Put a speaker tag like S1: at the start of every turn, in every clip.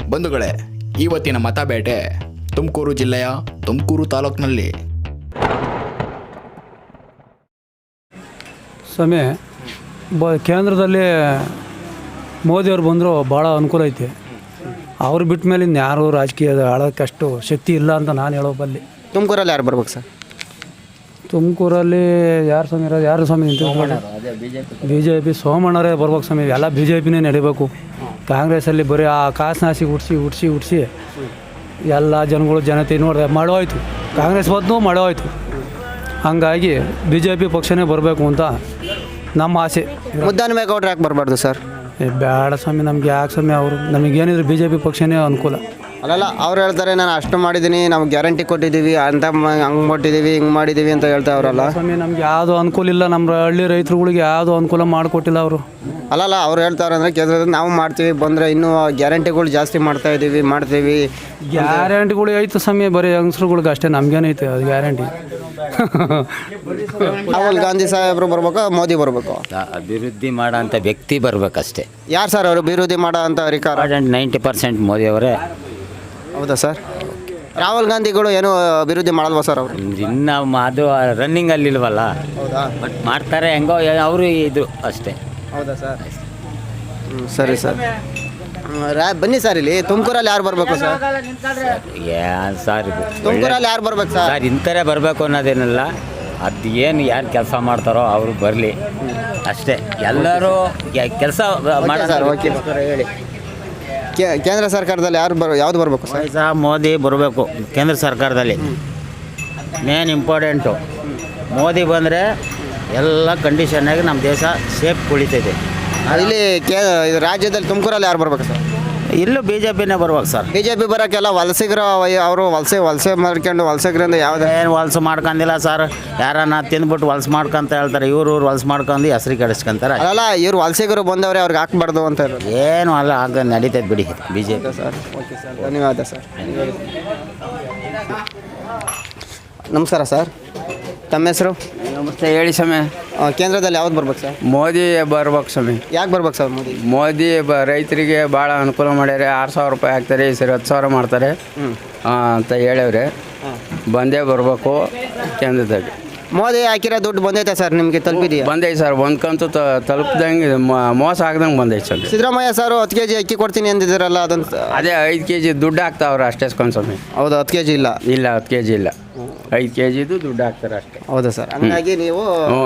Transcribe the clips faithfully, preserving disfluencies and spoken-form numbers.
S1: ಬಂಧುಗಳೇ, ಇವತ್ತಿನ ಮತಬೇಟೆ ತುಮಕೂರು ಜಿಲ್ಲೆಯ ತುಮಕೂರು ತಾಲೂಕಿನಲ್ಲಿ.
S2: ಸಮಯ ಬ ಕೇಂದ್ರದಲ್ಲಿ ಮೋದಿಯವ್ರು ಬಂದರೂ ಭಾಳ ಅನುಕೂಲ ಐತಿ. ಅವ್ರು ಬಿಟ್ಟ ಮೇಲೆ ಇನ್ನು ಯಾರು ರಾಜಕೀಯದ ಆಳೋಕ್ಕೆ ಅಷ್ಟು ಶಕ್ತಿ ಇಲ್ಲ ಅಂತ ನಾನು ಹೇಳೋ ಬಲ್ಲಿ.
S3: ತುಮಕೂರಲ್ಲಿ ಯಾರು ಬರ್ಬೇಕು ಸರ್?
S2: ತುಮಕೂರಲ್ಲಿ ಯಾರು ಸ್ವಾಮಿ ಇರೋದು? ಯಾರು ಸ್ವಾಮಿ ನಿಂತು? ಬಿ ಜೆ ಪಿ ಸೋಮಣ್ಣರೇ ಬರ್ಬೇಕು ಸ್ವಾಮಿ. ಎಲ್ಲ ಬಿ ಜೆ ಪಿನೇ ನಡಿಬೇಕು. ಕಾಂಗ್ರೆಸ್ಸಲ್ಲಿ ಬರೀ ಆ ಕಾಸನಾಸಿ ಉಡ್ಸಿ ಉಡ್ಸಿ ಉಡ್ಸಿ ಎಲ್ಲ ಜನಗಳು ಜನತೆ ನೋಡಿದೆ ಮಾಡೋ ಆಯಿತು. ಕಾಂಗ್ರೆಸ್ ಬಂದು ಮಾಡೋ ಆಯಿತು. ಹಂಗಾಗಿ ಬಿ ಜೆ ಪಿ ಪಕ್ಷನೇ ಬರಬೇಕು ಅಂತ ನಮ್ಮ ಆಸೆ.
S3: ಮುದ್ದಹನುಮೇಗೌಡರು ಯಾಕೆ ಬರಬಾರ್ದು ಸರ್?
S2: ಬೇಡ ಸ್ವಾಮಿ, ನಮ್ಗೆ ಯಾಕೆ ಸ್ವಾಮಿ? ಅವರು ನಮಗೇನಿದ್ರು ಬಿ ಜೆ ಪಿ ಪಕ್ಷನೇ ಅನುಕೂಲ.
S3: ಅಲ್ಲಲ್ಲ, ಅವ್ರು ಹೇಳ್ತಾರೆ ನಾನು ಅಷ್ಟು ಮಾಡಿದ್ದೀನಿ, ನಮ್ಗೆ ಗ್ಯಾರಂಟಿ ಕೊಟ್ಟಿದ್ದೀವಿ ಅಂತ, ಹಂಗೆ ಕೊಟ್ಟಿದ್ದೀವಿ ಹಿಂಗೆ ಮಾಡಿದ್ದೀವಿ ಅಂತ ಹೇಳ್ತಾ ಅವರಲ್ಲ
S2: ಸ್ವಾಮಿ. ನಮ್ಗೆ ಯಾವುದೂ ಅನುಕೂಲ ಇಲ್ಲ. ನಮ್ಮ ಹಳ್ಳಿ ರೈತರುಗಳಿಗೆ ಯಾವುದೂ ಅನುಕೂಲ ಮಾಡಿಕೊಟ್ಟಿಲ್ಲ ಅವರು.
S3: ಅಲ್ಲಲ್ಲ, ಅವ್ರು ಹೇಳ್ತಾರೆ ಅಂದರೆ ಕೇಂದ್ರದಲ್ಲಿ ನಾವು ಮಾಡ್ತೀವಿ, ಬಂದರೆ ಇನ್ನೂ ಗ್ಯಾರಂಟಿಗಳು ಜಾಸ್ತಿ ಮಾಡ್ತಾ ಇದ್ದೀವಿ ಮಾಡ್ತೀವಿ.
S2: ಗ್ಯಾರಂಟಿಗಳು ಐತೆ ಸ್ವಾಮಿ, ಬರೀ ಯಂಗ್ಸ್ರುಗಳಿಗೆ ಅಷ್ಟೇ. ನಮ್ಗೇನೈತೆ ಅದು ಗ್ಯಾರಂಟಿ?
S3: ರಾಹುಲ್ ಗಾಂಧಿ ಸಾಹೇಬರು ಬರ್ಬೇಕು, ಮೋದಿ ಬರಬೇಕು?
S4: ಅಭಿವೃದ್ಧಿ ಮಾಡೋ ಅಂಥ ವ್ಯಕ್ತಿ ಬರಬೇಕಷ್ಟೇ.
S3: ಯಾರು ಸರ್ ಅವರು ಅಭಿವೃದ್ಧಿ ಮಾಡೋ ಅಂತ ಅಧಿಕಾರ?
S4: ನೈಂಟಿ ಪರ್ಸೆಂಟ್ ಮೋದಿಯವರೇ.
S3: ಹೌದಾ ಸರ್? ರಾಹುಲ್ ಗಾಂಧಿಗಳು ಏನು ಅಭಿವೃದ್ಧಿ ಮಾಡಲ್ವಾ ಸರ್ ಅವರು?
S4: ಇನ್ನು ಅದು ರನ್ನಿಂಗಲ್ಲಿ ಇಲ್ವಲ್ಲ.
S3: ಹೌದಾ?
S4: ಬಟ್ ಮಾಡ್ತಾರೆ ಹೆಂಗೋ ಅವರು ಇದು ಅಷ್ಟೇ.
S3: ಹೌದಾ ಸರ್? ಹ್ಞೂ ಸರಿ ಸರ್. ರಾ ಬನ್ನಿ ಸರ್, ಇಲ್ಲಿ ತುಮಕೂರಲ್ಲಿ ಯಾರು ಬರಬೇಕು ಸರ್?
S4: ಏನ್ ಸರ್ ಇದು?
S3: ತುಮಕೂರಲ್ಲಿ ಯಾರು ಬರ್ಬೇಕು ಸರ್?
S4: ಸರ್ ಇಂಥರೇ ಬರಬೇಕು ಅನ್ನೋದೇನಿಲ್ಲ. ಅದು ಏನು ಯಾರು ಕೆಲಸ ಮಾಡ್ತಾರೋ ಅವರು ಬರಲಿ ಅಷ್ಟೇ. ಎಲ್ಲರೂ ಕೆಲಸ
S3: ಸರ್ ಓಕೆ ಹೇಳಿ. ಕೇಂದ್ರ ಸರ್ಕಾರದಲ್ಲಿ ಯಾರು ಬರ ಯಾವ್ದು ಬರಬೇಕು ಸರ್?
S4: ಸಹ ಮೋದಿ ಬರಬೇಕು ಕೇಂದ್ರ ಸರ್ಕಾರದಲ್ಲಿ. ಮೇನ್ ಇಂಪಾರ್ಟೆಂಟು ಮೋದಿ ಬಂದರೆ ಎಲ್ಲ ಕಂಡೀಷನ್ನಾಗಿ ನಮ್ಮ ದೇಶ ಸೇಫ್ ಉಳಿತೈತೆ.
S3: ಇಲ್ಲಿ ಕೇ ರಾಜ್ಯದಲ್ಲಿ ತುಮಕೂರಲ್ಲಿ ಯಾರು ಬರ್ಬೇಕು ಸರ್?
S4: ಇಲ್ಲೂ ಬಿ ಜೆ ಪಿನೇ ಬರ್ಬೇಕು ಸರ್.
S3: ಬಿ ಜೆ ಪಿ ಬರೋಕ್ಕೆಲ್ಲ ವಲಸಿಗರು ಅವರು ವಲಸೆ ವಲಸೆ ಮಾಡ್ಕೊಂಡು ವಲಸಿಗರಿಂದ ಯಾವುದೇ
S4: ಏನು ವಲಸು ಮಾಡ್ಕೊಂಡಿಲ್ಲ ಸರ್. ಯಾರನ್ನ ತಿಂದ್ಬಿಟ್ಟು ವಲಸು ಮಾಡ್ಕೊಂತ ಹೇಳ್ತಾರೆ. ಇವ್ರು ಇವ್ರು ವಲಸು ಮಾಡ್ಕೊಂಡು ಹೆಸ್ರು ಕೆಡಿಸ್ಕೊಂತಾರೆ.
S3: ಅಲ್ಲ, ಇವ್ರು ವಲಸಿಗರು ಬಂದವ್ರೆ, ಅವ್ರಿಗೆ ಹಾಕ್ಬಾರ್ದು ಅಂತ ಹೇಳೋದು.
S4: ಏನು ಅಲ್ಲ, ಆಗ ನಡೀತೈತೆ ಬಿಡಿ B J P
S3: sir. Okay sir, ಧನ್ಯವಾದ ಸರ್. ನಮಸ್ಕಾರ ಸರ್, ತಮ್ಮ ಹೆಸರು?
S5: ನಮಸ್ತೆ, ಹೇಳಿ ಸಮಯ.
S3: ಕೇಂದ್ರದಲ್ಲಿ ಯಾವ್ದು ಬರ್ಬೇಕು ಸರ್?
S5: ಮೋದಿ ಬರ್ಬೇಕು ಸಮಯ.
S3: ಯಾಕೆ ಬರ್ಬೇಕು ಸರ್ ಮೋದಿ?
S5: ಮೋದಿ ಬ ರೈತರಿಗೆ ಭಾಳ ಅನುಕೂಲ ಮಾಡ್ಯಾರೆ. ಆರು ಸಾವಿರ ರೂಪಾಯಿ ಹಾಕ್ತಾರೆ, ಈ ಸರಿ ಹತ್ತು ಸಾವಿರ ಮಾಡ್ತಾರೆ ಅಂತ ಹೇಳವ್ರೆ. ಬಂದೇ ಬರಬೇಕು ಕೇಂದ್ರದಲ್ಲಿ.
S3: ಮೋದಿ ಹಾಕಿರೋ ದುಡ್ಡು ಬಂದೈತೆ ಸರ್, ನಿಮಗೆ ತಲುಪಿದೆಯಾ?
S5: ಬಂದೈತೆ ಸರ್, ಒಂದು ಕಂತು ತಲುಪ್ದಂಗೆ ಮೋಸ ಆಗ್ದಂಗೆ ಬಂದೈತೆ ಸರ್.
S3: ಸಿದ್ದರಾಮಯ್ಯ ಸರ್ ಹತ್ತು ಕೆ ಜಿ ಅಕ್ಕಿ ಕೊಡ್ತೀನಿ ಅಂದಿದ್ದೀರಲ್ಲ, ಅದೊಂದು
S5: ಅದೇ ಐದು ಕೆ ಜಿ ದುಡ್ಡು ಹಾಕ್ತಾವ್ರೆ ಅಷ್ಟೇ ಸ್ವಾಮಿ.
S3: ಹೌದು, ಹತ್ತು ಕೆ ಜಿ ಇಲ್ಲ.
S5: ಇಲ್ಲ, ಹತ್ತು ಕೆ ಜಿ ಇಲ್ಲ, ಐದು ಕೆ ಜಿದು ದುಡ್ಡು ಹಾಕ್ತಾರೆ ಅಷ್ಟೇ.
S3: ಹೌದಾ ಸರ್? ಹಂಗಾಗಿ ನೀವು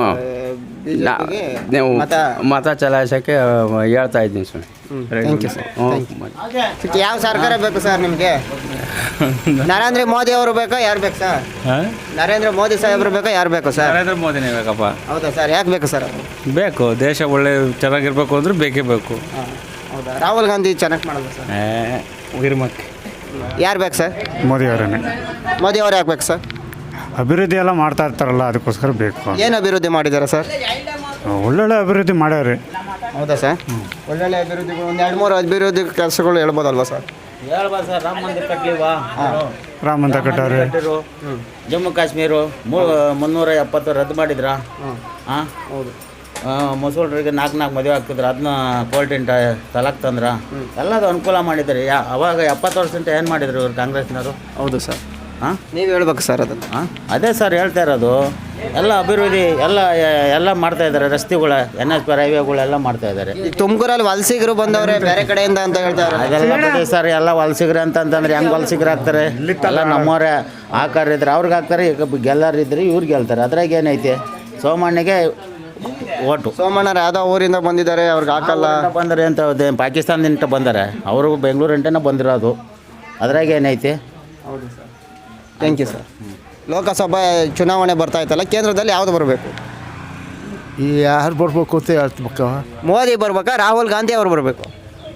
S5: ನೀವು ಮತ ಚಲಾಯಿಸೋಕ್ಕೆ ಹೇಳ್ತಾ ಇದ್ದೀನಿ ಸ್ವಾಮಿ.
S3: Thank you sir. ಯಾವ ಸರ್ಕಾರ ಬೇಕು ಸರ್ ನಿಮಗೆ? ನರೇಂದ್ರ ಮೋದಿ ಅವರು ಬೇಕಾ ಯಾರು ಬೇಕು ಸರ್? ನರೇಂದ್ರ ಮೋದಿ ಸಾಹೇಬರು ಬೇಕಾ ಯಾರು ಬೇಕು ಸರ್?
S6: ನರೇಂದ್ರ ಮೋದಿನೇ ಬೇಕಪ್ಪ.
S3: ಹೌದಾ ಸರ್? ಯಾಕೆ ಬೇಕು ಸರ್?
S6: ಬೇಕು, ದೇಶ ಒಳ್ಳೆ ಚೆನ್ನಾಗಿರ್ಬೇಕು ಅಂದ್ರೆ ಬೇಕೇ ಬೇಕು.
S3: ಹೌದಾ? ರಾಹುಲ್ ಗಾಂಧಿ ಚೆನ್ನಾಗಿ ಮಾಡಲ್ಲ ಸರ್?
S6: ಗಿರ್ಮಕ್ಕೆ
S3: ಯಾರು ಬೇಕು ಸರ್?
S7: ಮೋದಿ ಅವರೇ.
S3: ಮೋದಿ ಅವ್ರು ಯಾಕೆ ಬೇಕು ಸರ್?
S7: ಅಭಿವೃದ್ಧಿ ಎಲ್ಲ ಮಾಡ್ತಾ ಇರ್ತಾರಲ್ಲ, ಅದಕ್ಕೋಸ್ಕರ ಬೇಕು.
S3: ಏನು ಅಭಿವೃದ್ಧಿ ಮಾಡಿದ್ದಾರೆ ಸರ್?
S7: ಒಳ್ಳೊಳ್ಳೆ ಅಭಿವೃದ್ಧಿ ಮಾಡ್ಯಾವ್ರಿ.
S3: ಹೌದಾ ಸರ್? ಒಳ್ಳೊಳ್ಳೆ ಅಭಿವೃದ್ಧಿಗಳು ಒಂದು ಎರಡು ಮೂರು ಅಭಿವೃದ್ಧಿ ಕೆಲಸಗಳು ಹೇಳ್ಬೋದಲ್ವಾ ಸರ್?
S4: ಹೇಳ್ಬೋದು ಸರ್. ರಾಮ ಮಂದಿರ ಕಟ್ಲಿವಾ?
S7: ರಾಮ ಮಂದಿರ ಕಟ್ಟಾರೆ.
S4: ಜಮ್ಮು ಕಾಶ್ಮೀರ ಮುನ್ನೂರ ಎಪ್ಪತ್ತು ರದ್ದು ಮಾಡಿದ್ರ. ಹಾಂ ಹೌದು. ಮುಸಲ್ರಿಗೆ ನಾಲ್ಕು ನಾಲ್ಕು ಮದುವೆ ಆಗ್ತಿದ್ರು, ಅದನ್ನ ಕೋರ್ಟಿಂಟ ತಲಾಕ್ ತಂದ್ರ. ಎಲ್ಲದು ಅನುಕೂಲ ಮಾಡಿದ್ದಾರೆ. ಯಾ ಅವಾಗ ಎಪ್ಪತ್ತು ವರ್ಷಂತ ಏನು ಮಾಡಿದ್ರು ಇವ್ರು ಕಾಂಗ್ರೆಸ್ನವರು?
S3: ಹೌದು ಸರ್.
S4: ಹಾಂ,
S3: ನೀವು ಹೇಳ್ಬೇಕು ಸರ್ ಅದನ್ನು.
S4: ಹಾಂ, ಅದೇ ಸರ್ ಹೇಳ್ತಾ ಇರೋದು. ಎಲ್ಲ ಅಭಿವೃದ್ಧಿ ಎಲ್ಲ ಎಲ್ಲ ಮಾಡ್ತಾ ಇದ್ದಾರೆ. ರಸ್ತೆಗಳ ಎನ್ ಎಚ್ ಪಿ ಹೈವೇಗಳೆಲ್ಲ ಮಾಡ್ತಾ ಇದ್ದಾರೆ.
S3: ಈ ತುಮಕೂರಲ್ಲಿ ವಲಸಿಗರು ಬಂದವ್ರೆ ಬೇರೆ ಕಡೆಯಿಂದ ಅಂತ ಹೇಳ್ತಾರೆ.
S4: ಅದೆಲ್ಲ ಬಿಡಿ ಸರ್, ಎಲ್ಲ ವಲಸಿಗರು ಅಂತಂತಂದ್ರೆ ಹೆಂಗೆ ವಲಸಿಗರು ಆಗ್ತಾರೆ? ಎಲ್ಲ ನಮ್ಮವರೇ ಆಕಾರ ಇದ್ರೆ ಅವ್ರಿಗೆ ಹಾಕ್ತಾರೆ, ಈಗ ಗೆಲ್ಲರಿದ್ರೆ ಇವ್ರು ಗೆಲ್ತಾರೆ. ಅದ್ರಾಗ ಏನೈತೆ? ಸೋಮಣ್ಣಗೆ ಓಟು.
S3: ಸೋಮಣ್ಣರು ಯಾವುದೋ ಊರಿಂದ ಬಂದಿದ್ದಾರೆ, ಅವ್ರಿಗೆ ಹಾಕಲ್ಲ
S4: ಬಂದರೆ ಅಂತ ಪಾಕಿಸ್ತಾನದಿಂದ ಬಂದರೆ ಅವರು ಬೆಂಗಳೂರು ಅಂಟೇನೆ ಬಂದಿರೋದು. ಅದ್ರಾಗ ಏನೈತೆ?
S3: ಹೌದು sir. Thank you sir. Lok Sabha ಚುನಾವಣೆ ಬರ್ತಾ ಇತ್ತಲ್ಲ, ಕೇಂದ್ರದಲ್ಲಿ ಯಾವುದು ಬರಬೇಕು?
S8: ಈ ಯಾರು ಬರ್ಬೇಕು ಅಂತ ಹೇಳ್ಬೇಕು?
S3: ಮೋದಿ ಬರ್ಬೇಕಾ ರಾಹುಲ್ ಗಾಂಧಿ ಅವ್ರು ಬರಬೇಕು?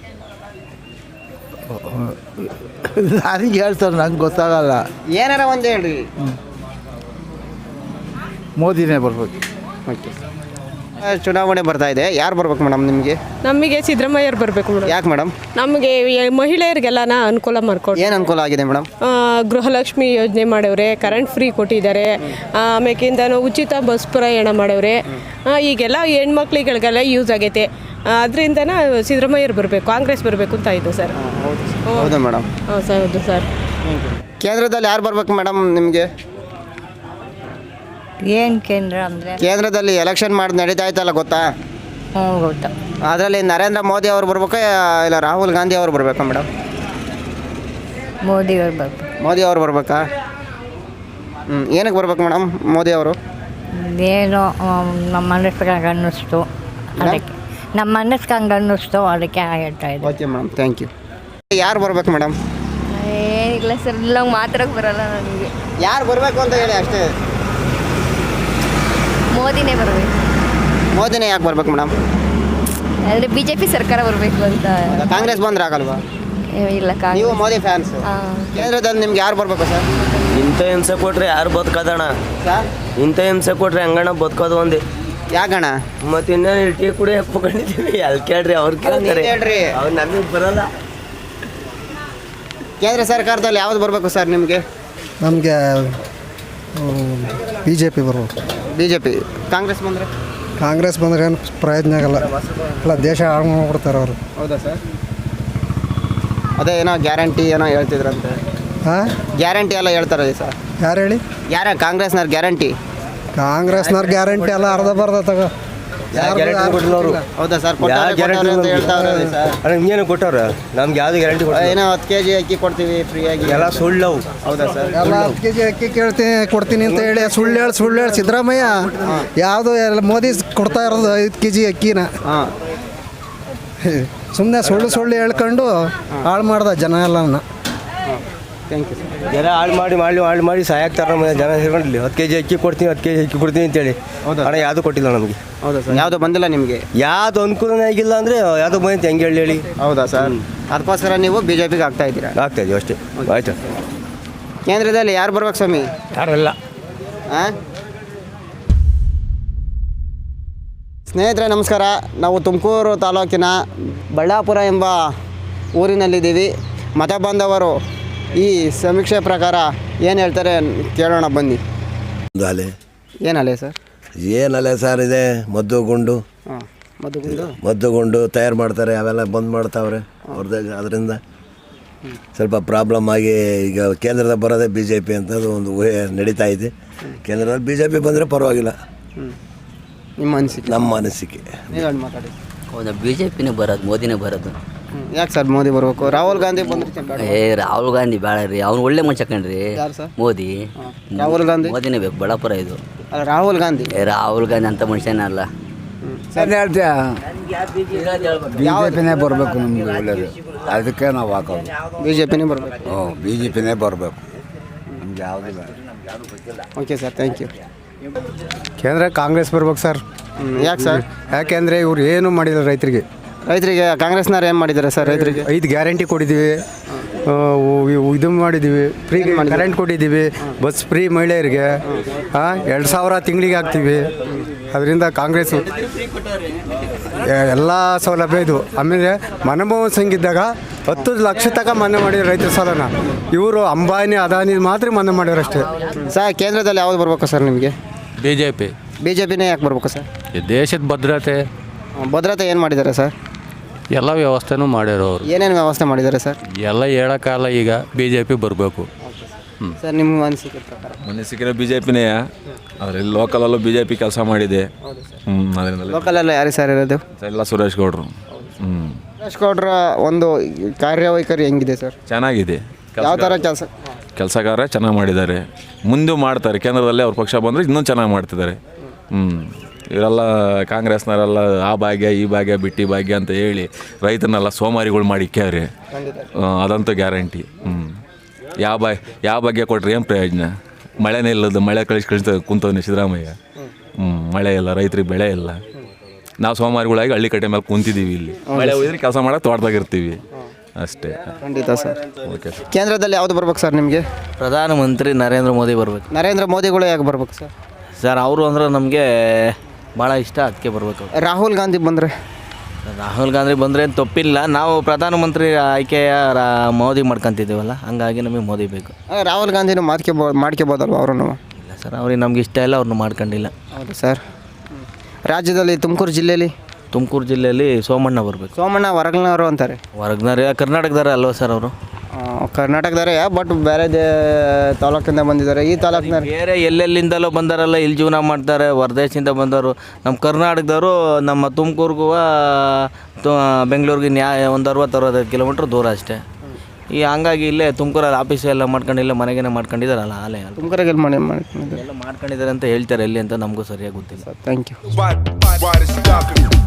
S8: ನನಗೆ ಹೇಳ್ತಾರೆ, ನಂಗೆ ಗೊತ್ತಾಗಲ್ಲ.
S3: ಏನಾರ ಒಂದು ಹೇಳ್ರಿ.
S8: ಮೋದಿನೇ ಬರ್ಬೇಕು.
S3: ಓಕೆ. ಚುನಾವಣೆ ಬರ್ತಾ ಇದೆ, ಯಾರು ಬರ್ಬೇಕು ಮೇಡಮ್ ನಿಮಗೆ?
S9: ನಮಗೆ ಸಿದ್ದರಾಮಯ್ಯರು ಬರಬೇಕು ಮೇಡಮ್.
S3: ಯಾಕೆ ಮೇಡಮ್?
S9: ನಮಗೆ ಮಹಿಳೆಯರಿಗೆಲ್ಲನ ಅನುಕೂಲ ಮಾಡ್ಕೊಡಿ.
S3: ಏನು ಅನುಕೂಲ ಆಗಿದೆ ಮೇಡಮ್?
S9: ಗೃಹಲಕ್ಷ್ಮಿ ಯೋಜನೆ ಮಾಡವ್ರೆ, ಕರೆಂಟ್ ಫ್ರೀ ಕೊಟ್ಟಿದ್ದಾರೆ, ಆಮೇಕಿಂದ ಉಚಿತ ಬಸ್ ಪ್ರಯಾಣ ಮಾಡವ್ರೆ. ಈಗೆಲ್ಲ ಹೆಣ್ಮಕ್ಳಿಗಳಿಗೆಲ್ಲ ಯೂಸ್ ಆಗೈತೆ. ಅದರಿಂದನ ಸಿದ್ದರಾಮಯ್ಯರು ಬರಬೇಕು, ಕಾಂಗ್ರೆಸ್ ಬರಬೇಕು ಅಂತ ಇದೆ ಸರ್.
S3: ಹೌದು ಸರ್. ಹೌದಾ ಮೇಡಮ್?
S9: ಹಾಂ ಸರ್ ಹೌದು ಸರ್.
S3: ಕೇಂದ್ರದಲ್ಲಿ ಯಾರು ಬರ್ಬೇಕು ಮೇಡಮ್ ನಿಮಗೆ?
S10: ಏನು ಕೇಂದ್ರ ಅಂದರೆ?
S3: ಕೇಂದ್ರದಲ್ಲಿ ಎಲೆಕ್ಷನ್ ಮಾಡಿ ನಡೀತಾ ಇತ್ತಲ್ಲ, ಗೊತ್ತಾ?
S10: ಹ್ಞೂ ಗೊತ್ತಾ.
S3: ಅದರಲ್ಲಿ ನರೇಂದ್ರ ಮೋದಿ ಅವರು ಬರ್ಬೇಕಾ ಇಲ್ಲ ರಾಹುಲ್ ಗಾಂಧಿ ಅವರು ಬರ್ಬೇಕಾ ಮೇಡಮ್?
S10: ಮೋದಿ ಅವ್ರು ಬರ್ಬೇಕು.
S3: ಮೋದಿ ಅವರು ಬರ್ಬೇಕಾ? ಹ್ಞೂ ಏನಕ್ಕೆ ಬರ್ಬೇಕು ಮೇಡಮ್ ಮೋದಿ ಅವರು?
S10: ಏನೋ ನಮ್ಮ ಮನಸ್ಸಿಗೆ ಹಂಗೆ ಅನ್ನಿಸ್ತು, ಅದಕ್ಕೆ ನಮ್ಮ ಮನಸ್ಸಿಗೆ ಹಂಗೆ ಅನ್ನಿಸ್ತು, ಅದಕ್ಕೆ ಹೇಳ್ತಾ ಇದ್ದೆ.
S3: Okay madam, thank you. ಯಾರು ಬರ್ಬೇಕು ಮೇಡಮ್?
S10: ಏನಿಲ್ಲ ಸರ್, ಇಲ್ಲ ಮಾತ್ರಕ್ಕೆ ಬರಲ್ಲ ನನಗೆ.
S3: ಯಾರು ಬರಬೇಕು ಅಂತ ಹೇಳಿ ಅಷ್ಟೇ.
S10: ಮೋದಿನೇ ಬರಬೇಕು.
S3: ಮೋದಿನೇ ಯಾಕೆ ಬರ್ಬೇಕು ಮೇಡಮ್?
S10: ಆದರೆ ಬಿ ಜೆ ಪಿ ಸರ್ಕಾರ ಬರಬೇಕು ಅಂತ.
S3: ಕಾಂಗ್ರೆಸ್ ಬಂದ್ರೆ ಆಗಲ್ವಾ?
S10: ಇಲ್ಲ,
S3: ನೀವು ಮೋದಿ ಫ್ಯಾನ್ಸ್. ಕೇಂದ್ರದಲ್ಲಿ ನಿಮ್ಗೆ ಯಾರು ಬರ್ಬೇಕು ಸರ್?
S11: ಇಂಥ ಹಿಂಸೆ ಕೊಟ್ರೆ ಯಾರು ಬದುಕೋದಣ್ಣ?
S3: ಸರ್
S11: ಇಂಥ ಹಿಂಸೆ ಕೊಟ್ರೆ ಹೆಂಗಣ್ಣ ಬದುಕೋದು ಒಂದೇ?
S3: ಯಾಕಣ್ಣ?
S11: ಮತ್ತೆ ಇನ್ನೇನು ಟೀ ಕುಡಿ ಹಾಕೊಂಡಿದ್ದೀವಿ, ಅಲ್ಲಿ ಕೇಳ್ರಿ ಅವ್ರು ಕೇಳ್ತಾರೆ,
S3: ಹೇಳ್ರಿ.
S11: ಅವ್ರು ನಮಗೆ ಬರಲ್ಲ.
S3: ಕೇಂದ್ರ ಸರ್ಕಾರದಲ್ಲಿ ಯಾವ್ದು ಬರಬೇಕು ಸರ್ ನಿಮಗೆ?
S12: ನಮಗೆ ಬಿ ಜೆ ಪಿ ಬರ್ಬೋದು.
S3: B J P. ಕಾಂಗ್ರೆಸ್ ಬಂದರೆ?
S12: ಕಾಂಗ್ರೆಸ್ ಬಂದರೆ ಏನು ಪ್ರಯೋಜನ ಆಗಲ್ಲ, ಎಲ್ಲ ದೇಶ ಹಾಳು ಮಾಡ್ಬಿಡ್ತಾರೆ ಅವರು.
S3: ಹೌದಾ ಸರ್? ಅದೇ ಏನೋ ಗ್ಯಾರಂಟಿ ಏನೋ ಹೇಳ್ತಿದ್ರಂತೆ.
S12: ಹಾಂ,
S3: ಗ್ಯಾರಂಟಿ ಎಲ್ಲ ಹೇಳ್ತಾರೆ ಸರ್.
S12: ಯಾರು ಹೇಳಿ?
S3: ಯಾರ ಕಾಂಗ್ರೆಸ್ನವ್ರು ಗ್ಯಾರಂಟಿ?
S12: ಕಾಂಗ್ರೆಸ್ನವ್ರ ಗ್ಯಾರಂಟಿ ಎಲ್ಲ ಅರ್ಧ ಬರ್ದ ತಗ.
S3: ಹೌದಾ ಸರ್?
S11: ಇನ್ನೇನು ಕೊಟ್ಟವ್ರ? ನಮ್ಗೆ ಯಾವ್ದು ಗ್ಯಾರಂಟಿ
S3: ಏನೋ ಹತ್ತು ಕೆ ಜಿ ಅಕ್ಕಿ ಕೊಡ್ತೀವಿ ಫ್ರೀಯಾಗಿ,
S11: ಎಲ್ಲ ಸುಳ್ಳು.
S3: ಹೌದಾ ಸರ್?
S12: ಎಲ್ಲ ಹತ್ತು ಕೆ ಜಿ ಅಕ್ಕಿ ಕೇಳ್ತೀನಿ ಕೊಡ್ತೀನಿ ಅಂತ ಹೇಳಿ ಸುಳ್ಳು ಹೇಳಿ ಸುಳ್ಳು ಹೇಳಿ ಸಿದ್ದರಾಮಯ್ಯ ಯಾವುದು ಎಲ್ಲ ಮೋದಿ ಕೊಡ್ತಾ ಇರೋದು ಐದು ಕೆ ಜಿ ಅಕ್ಕಿನ.
S3: ಹಾಂ,
S12: ಸುಮ್ಮನೆ ಸುಳ್ಳು ಸುಳ್ಳು ಹೇಳ್ಕೊಂಡು ಹಾಳು ಮಾಡ್ದ ಜನ ಎಲ್ಲನ.
S3: Thank you sir.
S11: ಜನ ಹಾಳು ಮಾಡಿ ಮಾಡಿ ಹಾಳು ಮಾಡಿ ಸಾಯಾಗ್ತಾರೆ ನಮ್ಮ ಜನ ಸೇರ್ಕೊಂಡಿಲ್ಲ. ಹತ್ತು ಕೆ ಜಿ ಅಕ್ಕಿ ಕೊಡ್ತೀನಿ, ಹತ್ತು ಕೆ ಜಿ ಅಕ್ಕಿ ಕೊಡ್ತೀನಿ ಅಂತೇಳಿ.
S3: ಹೌದಾ?
S11: ಹಣ ಯಾವುದು ಕೊಟ್ಟಿಲ್ಲ ನಮಗೆ.
S3: ಹೌದಾ ಸರ್? ಯಾವುದು ಬಂದಿಲ್ಲ ನಿಮಗೆ?
S11: ಯಾವುದು ಅನುಕೂಲನೇ ಆಗಿಲ್ಲ ಅಂದರೆ ಯಾವುದು ಬಂತು ಹೆಂಗೆ ಹೇಳಿ ಹೇಳಿ.
S3: ಹೌದಾ ಸರ್? ಅದಕ್ಕೋಸ್ಕರ ನೀವು ಬಿ ಜೆ ಪಿಗೆ ಆಗ್ತಾ ಇದ್ದೀರಾ?
S11: ಆಗ್ತಾ ಇದೀವಿ ಅಷ್ಟೇ. ಆಯ್ತು.
S3: ಕೇಂದ್ರದಲ್ಲಿ ಯಾರು ಬರ್ಬೇಕು ಸ್ವಾಮಿ?
S6: ಯಾರಲ್ಲ.
S3: ಹಾಂ, ಸ್ನೇಹಿತರೆ ನಮಸ್ಕಾರ. ನಾವು ತುಮಕೂರು ತಾಲೂಕಿನ ಬಳ್ಳಾಪುರ ಎಂಬ ಊರಿನಲ್ಲಿದ್ದೀವಿ. ಮತ ಬಾಂಧವರು ಈ ಸಮೀಕ್ಷೆ ಪ್ರಕಾರ ಏನು ಹೇಳ್ತಾರೆ ಕೇಳೋಣ ಬನ್ನಿ.
S13: ಅಲೆ
S3: ಏನಲೆ ಸರ್?
S13: ಏನಲೆ ಸರ್ ಇದೆ ಮದ್ದುಗುಂಡು.
S3: ಹಾಂ, ಮದ್ದುಗುಂಡು
S13: ಮದ್ದುಗುಂಡು ತಯಾರು ಮಾಡ್ತಾರೆ, ಅವೆಲ್ಲ ಬಂದ್ ಮಾಡ್ತಾವ್ರೆ ಅವ್ರದ್ದು. ಅದರಿಂದ ಸ್ವಲ್ಪ ಪ್ರಾಬ್ಲಮ್ ಆಗಿ ಈಗ ಕೇಂದ್ರದ ಬರೋದೇ ಬಿ ಜೆ ಪಿ ಅಂತದ್ದು ಒಂದು ಊಹೆ ನಡೀತಾ ಇದೆ. ಕೇಂದ್ರದಲ್ಲಿ ಬಿ ಜೆ ಪಿ ಬಂದರೆ ಪರವಾಗಿಲ್ಲ.
S3: ನಿಮ್ಮ ಅನಿಸಿಕೆ?
S13: ನಮ್ಮ ಅನಿಸಿಕೆ.
S3: ನೀವು ಮಾತಾಡಿ.
S14: ಹೌದಾ, ಬಿ ಜೆ ಪಿನೇ ಬರೋದು, ಮೋದಿನೇ ಬರೋದು.
S3: ಯಾಕೆ ಸರ್ ಮೋದಿ ಬರಬೇಕು? ರಾಹುಲ್ ಗಾಂಧಿ ಬಂದ್ರೆ?
S14: ಏ ರಾಹುಲ್ ಗಾಂಧಿ ಬೇಡ ರೀ, ಅವ್ನು ಒಳ್ಳೆ ಮನುಷ್ಯ ಕಣ್ರಿ.
S3: ಯಾರು ಸರ್?
S14: ಮೋದಿ.
S3: ರಾಹುಲ್ ಗಾಂಧಿ
S14: ಮೋದಿನೇ ಬೇಕು, ಬಳ್ಳಾಪುರ ಇದು.
S3: ಅಲ್ಲ, ರಾಹುಲ್ ಗಾಂಧಿ.
S14: ಏ ರಾಹುಲ್ ಗಾಂಧಿ ಅಂತ ಮನುಷ್ಯನೇ ಅಲ್ಲ.
S3: ಸರ್
S2: ಹೇಳ್ತೀಯ ಬಿ ಜೆ ಪಿನೇ ಬರಬೇಕು ನಮ್ಗೆ ಒಳ್ಳೆಯದು, ಅದಕ್ಕೆ ನಾವು ಹಾಕೋದು
S3: ಬಿ ಜೆ ಪಿನೇ ಬರಬೇಕು.
S2: ಹ್ಞೂ, ಬಿ ಜೆ ಪಿನೇ ಬರಬೇಕು, ನಮ್ಗೆ ಯಾವುದಿಲ್ಲ.
S3: Okay sir, thank you.
S12: ಕೇಂದ್ರ ಕಾಂಗ್ರೆಸ್ ಬರ್ಬೇಕು ಸರ್.
S3: ಯಾಕೆ ಸರ್?
S12: ಯಾಕೆಂದರೆ ಇವ್ರು ಏನೂ ಮಾಡಿಲ್ಲ ರೈತರಿಗೆ.
S3: ರೈತರಿಗೆ ಕಾಂಗ್ರೆಸ್ನವ್ರು ಏನು ಮಾಡಿದ್ದಾರೆ ಸರ್? ರೈತರಿಗೆ
S12: ಐದು ಗ್ಯಾರಂಟಿ ಕೊಟ್ಟಿದ್ದೀವಿ, ಇದು ಮಾಡಿದ್ದೀವಿ, ಫ್ರೀ ಕರೆಂಟ್ ಕೊಟ್ಟಿದ್ದೀವಿ, ಬಸ್ ಫ್ರೀ ಮಹಿಳೆಯರಿಗೆ, ಎರಡು ಸಾವಿರ ತಿಂಗಳಿಗೆ ಹಾಕ್ತೀವಿ. ಅದರಿಂದ ಕಾಂಗ್ರೆಸ್ಸು ಎಲ್ಲ ಸೌಲಭ್ಯ ಇದು. ಆಮೇಲೆ ಮನಮೋಹನ್ ಸಿಂಗ್ ಇದ್ದಾಗ ಹತ್ತು ಲಕ್ಷ ತನಕ ಮನ್ನಾ ಮಾಡಿದ್ರು ರೈತರ ಸಾಲನ. ಇವರು ಅಂಬಾನಿ ಅದಾನಿ ಮಾತ್ರ ಮನ್ನಾ ಮಾಡ್ಯಾರ ಅಷ್ಟೇ.
S3: ಸರ್ ಕೇಂದ್ರದಲ್ಲಿ ಯಾವ್ದು ಬರ್ಬೇಕು ಸರ್ ನಿಮಗೆ?
S6: B J P.
S3: B J ಪಿನೇ ಯಾಕೆ ಬರ್ಬೇಕು ಸರ್?
S6: ದೇಶದ ಭದ್ರತೆ
S3: ಭದ್ರತೆ ಏನು ಮಾಡಿದ್ದಾರೆ ಸರ್?
S6: ಎಲ್ಲ ವ್ಯವಸ್ಥೆನೂ ಮಾಡ್ಯಾರ ಅವರು.
S3: ಏನೇನು ವ್ಯವಸ್ಥೆ ಮಾಡಿದ್ದಾರೆ ಸರ್?
S6: ಎಲ್ಲ ಹೇಳೋಕ್ಕಾಗಲ್ಲ. ಈಗ ಬಿ ಜೆ ಪಿ ಬರಬೇಕು.
S3: ಸರ್ ನಿಮ್ಮ ಅನಿಸಿಕೆ ಪ್ರಕಾರ?
S15: ಅನಿಸಿಕೆ ಬಿ ಜೆ ಪಿನೇ. ಅದರಲ್ಲಿ ಲೋಕಲಲ್ಲೂ ಬಿ ಜೆ ಪಿ ಕೆಲಸ ಮಾಡಿದೆ. ಹ್ಞೂ, ಅದರಿಂದ
S3: ಲೋಕಲಲ್ಲಿ ಯಾರು ಸರ್ ಇರೋದು?
S15: ಎಲ್ಲ ಸುರೇಶ್ ಗೌಡರು. ಹ್ಞೂ,
S3: ಸುರೇಶ್ ಗೌಡ್ರ ಒಂದು ಕಾರ್ಯವೈಖರಿ ಹೆಂಗಿದೆ ಸರ್?
S15: ಚೆನ್ನಾಗಿದೆ.
S3: ಯಾವ ಥರ ಕೆಲಸ?
S15: ಕೆಲಸಗಾರ ಚೆನ್ನಾಗಿ ಮಾಡಿದ್ದಾರೆ, ಮುಂದೆ ಮಾಡ್ತಾರೆ. ಕೇಂದ್ರದಲ್ಲಿ ಅವ್ರ ಪಕ್ಷ ಬಂದರೆ ಇನ್ನೂ ಚೆನ್ನಾಗಿ ಮಾಡ್ತಿದ್ದಾರೆ. ಹ್ಞೂ, ಇವರೆಲ್ಲ ಕಾಂಗ್ರೆಸ್ನವರೆಲ್ಲ ಆ ಭಾಗ್ಯ ಈ ಭಾಗ್ಯ ಬಿಟ್ಟಿ ಭಾಗ್ಯ ಅಂತ ಹೇಳಿ ರೈತನೆಲ್ಲ ಸೋಮಾರಿಗಳು ಮಾಡಿ ಇಕ್ಕ್ಯಾವ್ರಿ. ಅದಂತೂ ಗ್ಯಾರಂಟಿ. ಹ್ಞೂ, ಯಾವ ಬಾ ಯಾವ ಭಾಗ್ಯ ಕೊಟ್ರೆ ಏನು ಪ್ರಯೋಜನ? ಮಳೆನೇ ಇಲ್ಲದು, ಮಳೆ ಕಳಿಸಿ ಕಳಿಸ್ತಾ ಕುಂತವನೇ ಸಿದ್ದರಾಮಯ್ಯ. ಹ್ಞೂ, ಮಳೆ ಇಲ್ಲ, ರೈತರಿಗೆ ಬೆಳೆ ಇಲ್ಲ. ನಾವು ಸೋಮಾರಿಗಳಾಗಿ ಹಳ್ಳಿ ಕಟ್ಟೆ ಮೇಲೆ ಕುಂತಿದ್ದೀವಿ. ಇಲ್ಲಿ ಮಳೆ ಹೋಗಿದ್ರೆ ಕೆಲಸ ಮಾಡೋಕೆ ತೋಟದಾಗಿರ್ತೀವಿ ಅಷ್ಟೇ.
S3: ಖಂಡಿತ ಸರ್.
S15: Okay sir.
S3: ಕೇಂದ್ರದಲ್ಲಿ ಯಾವುದು ಬರ್ಬೇಕು ಸರ್ ನಿಮಗೆ?
S11: ಪ್ರಧಾನಮಂತ್ರಿ ನರೇಂದ್ರ ಮೋದಿ ಬರಬೇಕು.
S3: ನರೇಂದ್ರ ಮೋದಿಗಳು ಯಾಕೆ ಬರ್ಬೇಕು ಸರ್?
S11: ಸರ್ ಅವರು ಅಂದ್ರೆ ನಮಗೆ ಭಾಳ ಇಷ್ಟ, ಅದಕ್ಕೆ ಬರಬೇಕು.
S3: ರಾಹುಲ್ ಗಾಂಧಿ ಬಂದರೆ?
S11: ರಾಹುಲ್ ಗಾಂಧಿ ಬಂದರೆ ತಪ್ಪಿಲ್ಲ. ನಾವು ಪ್ರಧಾನಮಂತ್ರಿ ಆಯ್ಕೆಯ ರಾ ಮೋದಿ ಮಾಡ್ಕೊತಿದ್ದೀವಲ್ಲ, ಹಂಗಾಗಿ ನಮಗೆ ಮೋದಿ ಬೇಕು.
S3: ರಾಹುಲ್ ಗಾಂಧಿನೂ ಮಾಡ್ಕೊಬೋ ಮಾಡ್ಕೊಬೋದಲ್ವ ಅವ್ರನ್ನು?
S11: ಇಲ್ಲ ಸರ್, ಅವ್ರಿಗೆ ನಮ್ಗೆ ಇಷ್ಟ ಇಲ್ಲ, ಅವ್ರನ್ನ ಮಾಡ್ಕೊಂಡಿಲ್ಲ.
S3: ಹೌದು ಸರ್. ರಾಜ್ಯದಲ್ಲಿ ತುಮಕೂರು ಜಿಲ್ಲೆಯಲ್ಲಿ
S11: ತುಮಕೂರು ಜಿಲ್ಲೆಯಲ್ಲಿ ಸೋಮಣ್ಣ ಬರಬೇಕು.
S3: ಸೋಮಣ್ಣ ಹೊರಗಿನವರು ಅಂತಾರೆ.
S11: ಹೊರಗ್ನವ್ರು ಕರ್ನಾಟಕದಾರ ಅಲ್ವಾ ಸರ್ ಅವರು?
S3: ಕರ್ನಾಟಕದವರೇ ಬಟ್ ಬೇರೆ ದೇ ತಾಲೂಕಿಂದ ಬಂದಿದ್ದಾರೆ. ಈ ತಾಲೂಕಿನ
S11: ಬೇರೆ ಎಲ್ಲೆಲ್ಲಿಂದಲೋ ಬಂದಾರಲ್ಲ, ಇಲ್ಲಿ ಜೀವನ ಮಾಡ್ತಾರೆ. ಹೊರದೇಶದಿಂದ ಬಂದವರು ನಮ್ಮ ಕರ್ನಾಟಕದವರು ನಮ್ಮ ತುಮಕೂರಿಗೂ ಬೆಂಗಳೂರಿಗೆ ನ್ಯಾಯ ಒಂದು ಅರವತ್ತು ಅರವತ್ತೈದು ಕಿಲೋಮೀಟ್ರ್ ದೂರ ಅಷ್ಟೇ. ಈ ಹಂಗಾಗಿ ಇಲ್ಲೇ ತುಮಕೂರಲ್ಲಿ ಆಫೀಸ್ ಎಲ್ಲ ಮಾಡ್ಕೊಂಡು ಇಲ್ಲೇ ಮನೆಗೇನೆ ಮಾಡ್ಕೊಂಡಿದ್ದಾರಲ್ಲ, ಆಲೇ
S3: ತುಮಕೂರಿಗೆ ಮಾಡಿ ಮಾಡ್ಕೊಂಡಿದ್ದಾರೆ
S11: ಎಲ್ಲ ಮಾಡ್ಕೊಂಡಿದ್ದಾರೆ ಅಂತ ಹೇಳ್ತಾರೆ. ಎಲ್ಲಿ ಅಂತ ನಮಗೂ ಸರಿಯಾಗಿ ಗೊತ್ತಿಲ್ಲ.
S3: Thank you.